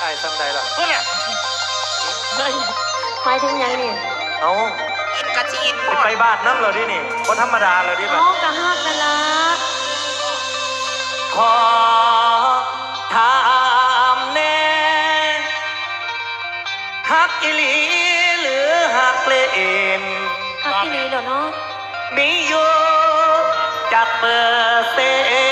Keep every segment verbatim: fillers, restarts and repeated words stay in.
อ้ซ้ำใดล่ะเพื่อนเนี่ยหมายถึงยังนี่เอาอินกะจีอินพอไปบ้านน้ำเราดินี่คนธรรมดาเราดิแบบอ๋อกะฮักนั่นละขอถามแน่ฮักอิลีหรือฮักเลนฮักที่นี่เหรอเนาะมีอยู่จากเปอร์เซ็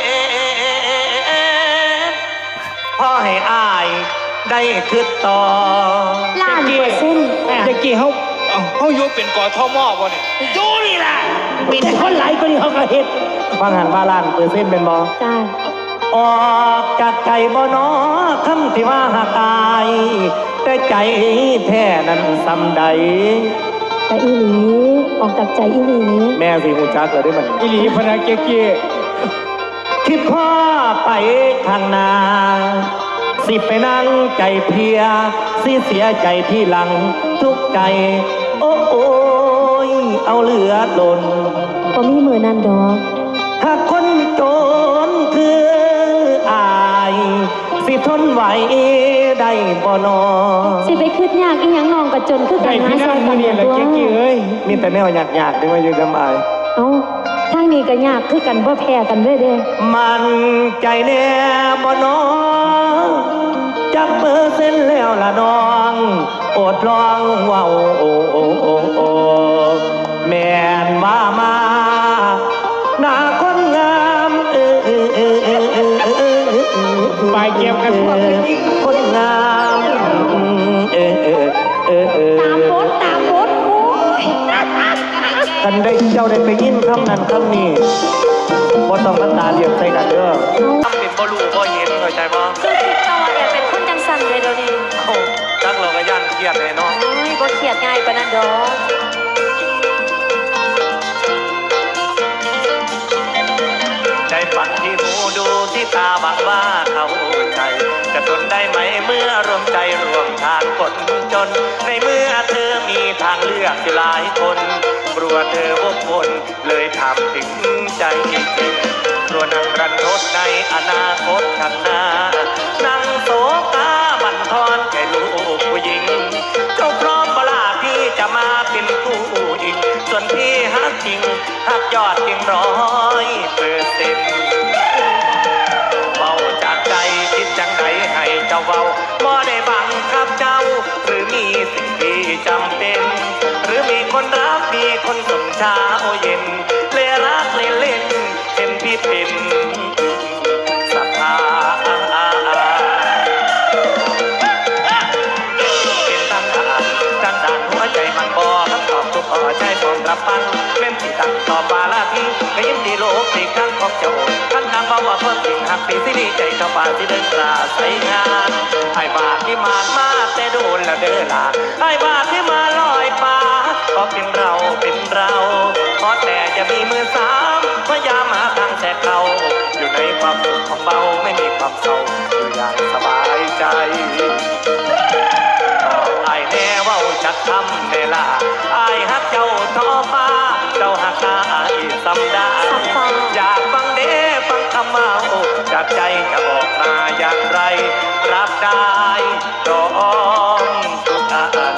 นต์พ่อให้อายได้คืดต่อล้านเปอร์เซ็นต์จะกี่เขาเขาอยู่เป็นกอทมบ่เนี่ยอยู่นี่แหละมีแต่คนหลายคนที่เขาก็เห็นฟังหันว่าล้านเปอร์เซ็นต์เป็นบ่จ้าออกจากใจบ่น้อคำที่ว่าหักอายแต่ใจแท้นั้นซ้ำใดแต่อีหลีออกจากใจอีหลีแม่สิหูจักเลยได้มันอีหลีพนักเก๊กี้คิดพ่อไปข้างหน้าสิไปนั่งใจเพียสิเสียใจที่หลังทุกใจโอ้โอ้ยเอาเหลือล้นก็มีมือนั่นดอกถ้าคนจนคืออายสิทนไหวได้บ่นอสิไปคืดยากอีหยังน้องก็จนคือกันนะซอยกันตัวมีแต่แนวอยากๆด้วยว่าอยู่ดำอายเอ้าทางนี้ก็ยากคือกันบ่แพ้กันเลยเด้มันใจแน่บ่น้องจักเปอร์เซ็นต์แล้วล่ะน้องอดลองเว้าโอ้โอ้โอ้โอ้แม่นว่ามาหน้าคนงามเออเออเออเออเออเออเออไปเก็บกันพวกคนงามเออเออเออเออตามบดตามบดโอ้ยท่านได้เจ้าได้ไปยินคำนั้นคำนี้บ่ต้องมาตาเรียบใส่กันเด้อทำเป็นบ่รู้บ่เห็นเข้าใจบ่คือคิดเจ้าว่าแอบเป็นคนจังสั่นเลยเดี๋ยวนี้โอ้จักเราก็ย่านเครียดแน่เนาะโอ้ยบ่เครียดง่ายปานนั้นดอกใจฝันที่หูดูที่ตาบักว่าเขาใจจะทนได้ไหมเมื่อรวมใจรวมทางคนจนในเมื่อเธอมีทางเลือกอยู่หลายคนกลัวเธอวกวนเลยทำถึงใจจริงกลัวนั่งรันทดในอนาคตข้างหน้านั่งโศกาบั่นทอนแค่ลูกผู้หญิงเจ้าพร้อมเวลาพี่จะมาเป็นผู้หญิงส่วนพี่ฮักจริงฮักยอดจริงร้อยเปอร์เซ็นต์เบาจากใจคิดจังใดให้เจ้าเบาบ่ได้บังคับเจ้าหรือมีสิ่งที่จำเป็นหรือมีคนรักมีคนส่งเช้าเย็นเล่รักเล่นเล่นเห็นพี่เป็นศรัทธาเป็นตั้งด่านตั้งด่านหัวใจมันบ่คำตอบทุกข้อใจพร้อมรับฟังเล่นที่ตั้งต่อบาลาพี่ไม่ยิ้มดีโลกที่ครั้งของเจ้าท่านนางบอกว่าเพิ่มสิ่งหักปีสิดีใจเข้าป่าที่เดินกราใส่งานไอ้บาทที่มานมาแต่โดนแล้วเด้อลาไอ้บาทที่มาลอยฟ้าก็เป็นเราเป็นเราเพราะแต่จะมีมือสามพยายามหาทางแทรกเขาอยู่ในความสุขของเบาไม่มีความเศร้าอยู่อย่างสบายใจไอ้แน่ว่าจักทำเวลาไอ้ฮักเจ้าท้อฟ้าเจ้าหักนาอีสำดาอยากฟังเด้ฟังคำเมาจากใจจะออกมาอย่างไรรับได้พร้อมทุกอัน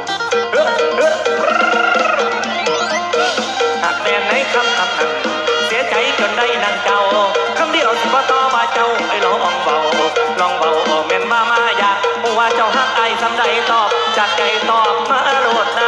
หากแต่ในคำคำนั้นเสียใจจนได้นั่งเจ้าคำเดียวสิบ่ต่อมาเจ้าไอ้ลองเบาลองเบาแม่นมามาอยากว่าเจ้าฮักไอ้สำใดตอบจากใจตอบมาโลดนะ